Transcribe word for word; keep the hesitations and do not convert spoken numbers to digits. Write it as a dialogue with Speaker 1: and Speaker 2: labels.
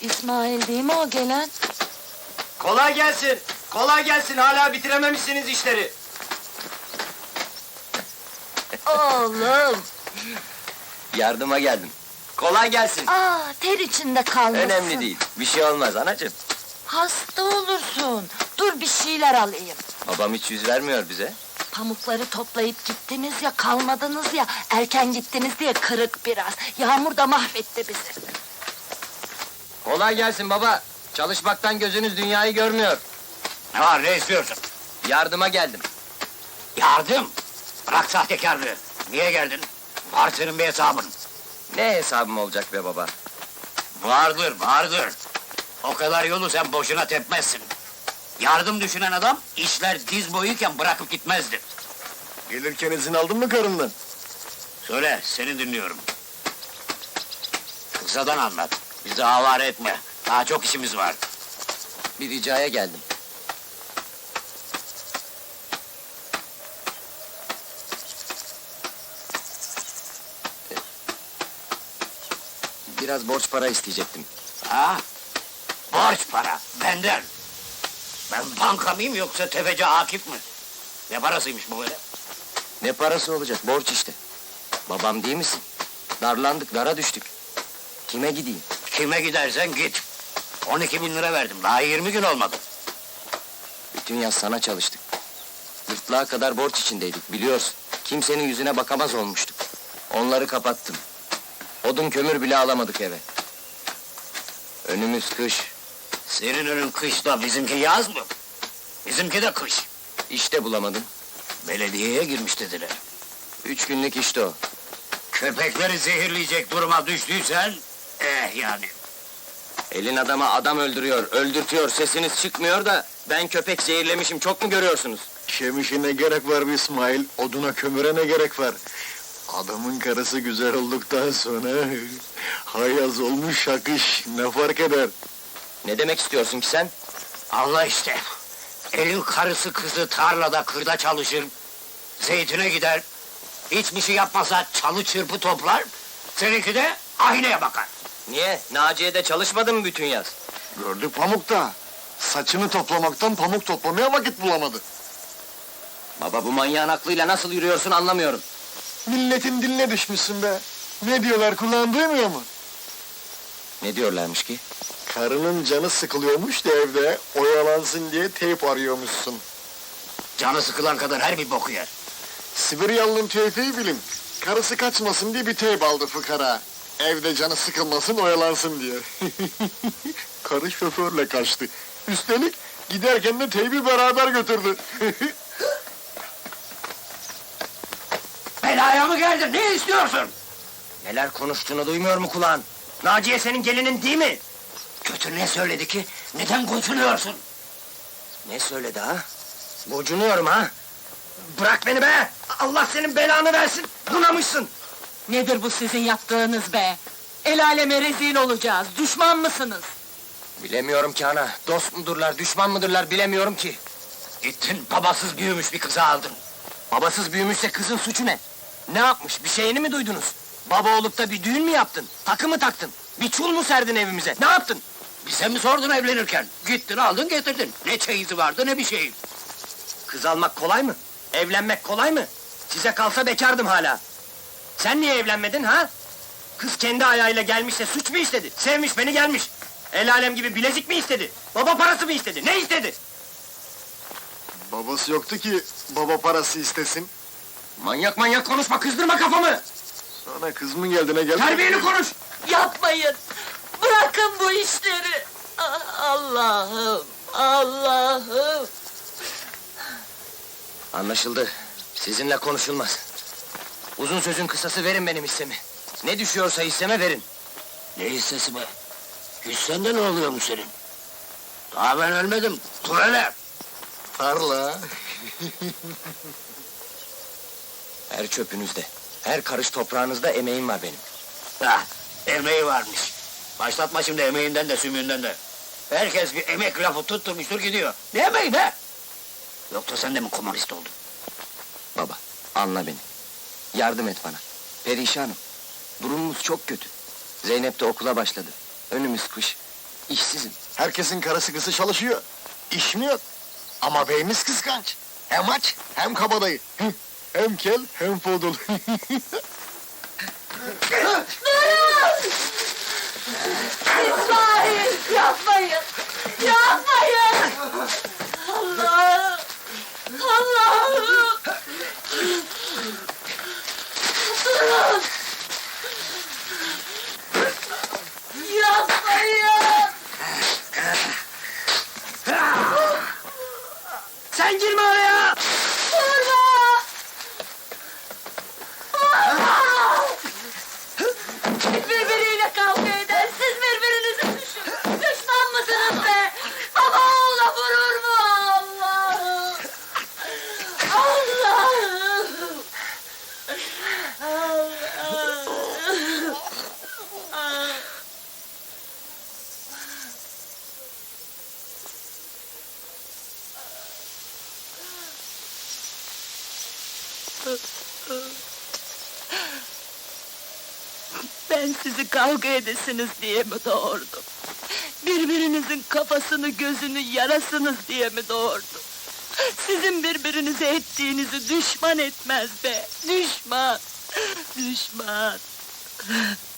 Speaker 1: İsmail değil mi o gelen?
Speaker 2: Kolay gelsin, kolay gelsin. Hala bitirememişsiniz işleri.
Speaker 1: Oğlum!
Speaker 2: Yardıma geldim. Kolay gelsin.
Speaker 1: Aa, ter içinde kalmışsın.
Speaker 2: Önemli değil, bir şey olmaz anacığım.
Speaker 1: Hasta olursun. Dur bir şeyler alayım.
Speaker 2: Babam hiç yüz vermiyor bize.
Speaker 1: Pamukları toplayıp gittiniz ya, kalmadınız ya, erken gittiniz diye kırık biraz. Yağmur da mahvetti bizi.
Speaker 2: Kolay gelsin baba. Çalışmaktan gözünüz dünyayı görmüyor.
Speaker 3: Ne var, ne istiyorsun?
Speaker 2: Yardıma geldim.
Speaker 3: Yardım! Bırak sahtekarlığı! Niye geldin? Var senin bir hesabın.
Speaker 2: Ne hesabım olacak be baba?
Speaker 3: Vardır, vardır! O kadar yolu sen boşuna tepmezsin. Yardım düşünen adam, işler diz boyuyken bırakıp gitmezdi.
Speaker 4: Gelirken izin aldın mı karından?
Speaker 3: Söyle, seni dinliyorum. Kısadan anlat, bizi avare etme. Daha çok işimiz var.
Speaker 2: Bir ricaya geldim. Biraz borç para isteyecektim.
Speaker 3: Ha? Borç para, benden! Ben banka mıyım yoksa tefeci Akif mi? Ne parasıymış bu böyle?
Speaker 2: Ne parası olacak, borç işte. Babam değil misin? Darlandık, dara düştük. Kime gideyim?
Speaker 3: Kime gidersen git. On iki bin lira verdim, daha yirmi gün olmadı.
Speaker 2: Bütün yaz sana çalıştık. Gırtlağa kadar borç içindeydik, biliyorsun. Kimsenin yüzüne bakamaz olmuştuk. Onları kapattım. Odun kömür bile alamadık eve. Önümüz kış.
Speaker 3: Senin önün kışta, bizimki yaz mı? Bizimki de kış.
Speaker 2: İşte bulamadım.
Speaker 3: Belediyeye girmiş dediler.
Speaker 2: Üç günlük işte o.
Speaker 3: Köpekleri zehirleyecek duruma düştüysen... Eh yani.
Speaker 2: Elin adama adam öldürüyor, öldürtüyor, sesiniz çıkmıyor da... ...ben köpek zehirlemişim, çok mu görüyorsunuz?
Speaker 4: Şemişe ne gerek var be İsmail? Oduna kömüre ne gerek var? Adamın karısı güzel olduktan sonra... ...hayaz olmuş şakış, ne fark eder?
Speaker 2: Ne demek istiyorsun ki sen?
Speaker 3: Allah işte. Elin karısı kızı tarlada kırda çalışır... ...zeytine gider... ...hiçbir şey yapmasa çalı çırpı toplar... ...seninki de aynaya bakar.
Speaker 2: Niye? Naciye'de çalışmadın mı bütün yaz?
Speaker 4: Gördük pamukta. Saçını toplamaktan pamuk toplamaya vakit bulamadı.
Speaker 2: Baba, bu manyağın aklıyla nasıl yürüyorsun anlamıyorum.
Speaker 4: Milletin diline düşmüşsün be. Ne diyorlar, kulağın duymuyor mu?
Speaker 2: Ne diyorlarmış ki?
Speaker 4: Karının canı sıkılıyormuş da evde, oyalansın diye teyp arıyormuşsun.
Speaker 3: Canı sıkılan kadar her bir boku yer.
Speaker 4: Sibiryalı'nın teyfeyi bilin. Karısı kaçmasın diye bir teyp aldı fıkara. Evde canı sıkılmasın, oyalansın diye. Karı şoförle kaçtı. Üstelik giderken de teybi beraber götürdü.
Speaker 3: Belaya mı geldin, ne istiyorsun?
Speaker 2: Neler konuştuğunu duymuyor mu kulağın? Naciye senin gelinin değil mi?
Speaker 3: Kötü ne söyledi ki, neden gocunuyorsun?
Speaker 2: Ne söyledi ha? Gocunuyorum ha? Bırak beni be! Allah senin belanı versin! Bunamışsın!
Speaker 1: Nedir bu sizin yaptığınız be? El aleme rezil olacağız, düşman mısınız?
Speaker 2: Bilemiyorum ki ana, dost mudurlar, düşman mıdırlar bilemiyorum ki.
Speaker 3: Gittin, babasız büyümüş bir kızı aldın.
Speaker 2: Babasız büyümüşse kızın suçu ne? Ne yapmış, bir şeyini mi duydunuz? Baba olup da bir düğün mü yaptın? Takı mı taktın? Bir çul mu serdin evimize? Ne yaptın?
Speaker 3: Bize mi sordun evlenirken? Gittin, aldın, getirdin. Ne çeyizi vardı, ne bir şey.
Speaker 2: Kız almak kolay mı? Evlenmek kolay mı? Size kalsa bekardım hala. Sen niye evlenmedin ha? Kız kendi ayağıyla gelmiş de suç mu istedi? Sevmiş beni gelmiş. El alem gibi bilezik mi istedi? Baba parası mı istedi? Ne istedi?
Speaker 4: Babası yoktu ki baba parası istesin.
Speaker 2: Manyak manyak konuşma, kızdırma kafamı!
Speaker 4: Sana kız mı geldi, ne geldi?
Speaker 2: Terbiyeli konuş!
Speaker 1: Yapmayın! Bırakın bu işleri! Ah, Allah'ım! Allah'ım!
Speaker 2: Anlaşıldı. Sizinle konuşulmaz. Uzun sözün kısası, verin benim hissemi. Ne düşüyorsa hisseme verin.
Speaker 3: Ne hissesi be? Hissende ne oluyormuş senin? Daha ben ölmedim, dur hele!
Speaker 4: Tarla.
Speaker 2: Her çöpünüzde, her karış toprağınızda emeğim var benim.
Speaker 3: Ha, emeği varmış. Başlatma şimdi emeğinden de sümüğünden de. Herkes bir emek lafı tutturmuştur gidiyor. Ne emeği be? Yoksa sen de mi komünist oldun?
Speaker 2: Baba, anla beni. Yardım et bana. Perişanım. Durumumuz çok kötü. Zeynep de okula başladı. Önümüz kış. İşsizim.
Speaker 4: Herkesin karısı kızı çalışıyor. İş mi yok? Ama beyimiz kıskanç. Hem aç hem kabadayı. Hıh, hem kel hem fodul.
Speaker 1: İsmail yapmayın. Yapmayın. Allah'ım. Allah'ım. Durun. Yapmayın.
Speaker 2: Sen girme oraya!
Speaker 1: Vurma. Birbiriyle kavga eder, siz birbirinizi düşün. Düşman mısınız be? Baba oğula vurur mu? Allah'ım! Allah'ım! Allah'ım! Ben sizi kavga edesiniz diye mi doğurdum? Birbirinizin kafasını gözünü yarasınız diye mi doğurdum? Sizin birbirinize ettiğinizi düşman etmez be! Düşman! Düşman!